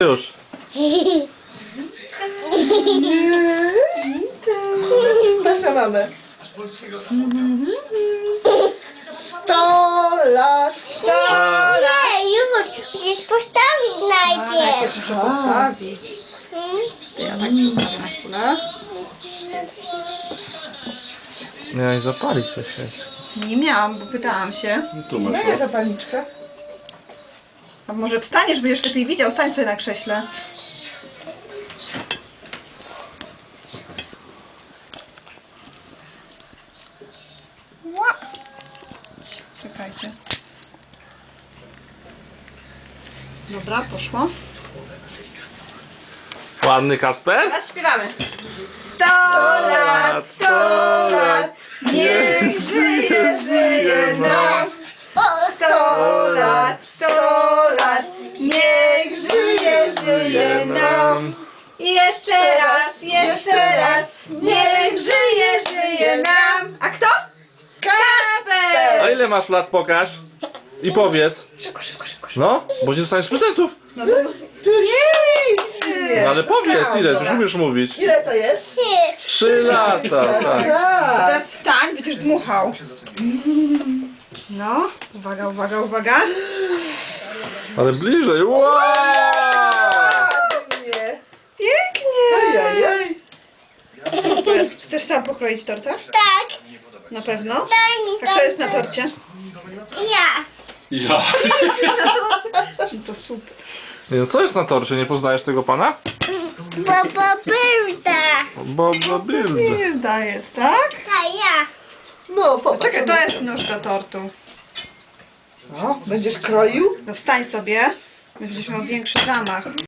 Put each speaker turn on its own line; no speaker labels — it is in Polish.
Już.
Nasza mamę. 100 lat. 100 lat.
Nie, już! Musisz postawić najpierw.
Muszę postawić. To ja tak postawię na chwilę.
Miałeś zapalić coś.
Nie miałam, bo pytałam się.
Tu
No
masz.
jest zapalniczka.
A może wstaniesz, będziesz lepiej widział? Stań sobie na krześle. Ła. Czekajcie. Dobra, poszło.
Ładny Kasper?
Teraz śpiewamy. 100 lat, 100 lat, niech żyje, żyje nam. 100 lat, 100 lat, niech żyje, żyje nam. I jeszcze raz, niech żyje, żyje nam. A kto? Kasper!
A ile masz lat, pokaż? I powiedz.
Szybko, szybko, szybko.
No, bo nie dostaniesz prezentów.
No to...
Pięknie.
No ale powiedz, ile? Już umiesz mówić.
Ile to jest?
3 lata, tak.
Tak.
Teraz wstań, będziesz dmuchał. No, uwaga, uwaga, uwaga.
Ale bliżej. Wow!
Ładnie.
Pięknie!
Ojej.
Super. Chcesz sam pokroić tortę?
Tak,
Na pewno.
daj mi
A kto jest na torcie?
Ja.
Ja.
To super.
No co jest na torcie? Nie poznajesz tego pana?
Baba Byrda.
Bobo Build.
Hilda jest, tak?
A ja.
No, popatrz.
Czekaj, to jest nóż do tortu.
O, będziesz kroił?
No wstań sobie. Będziesz miał większy zamach.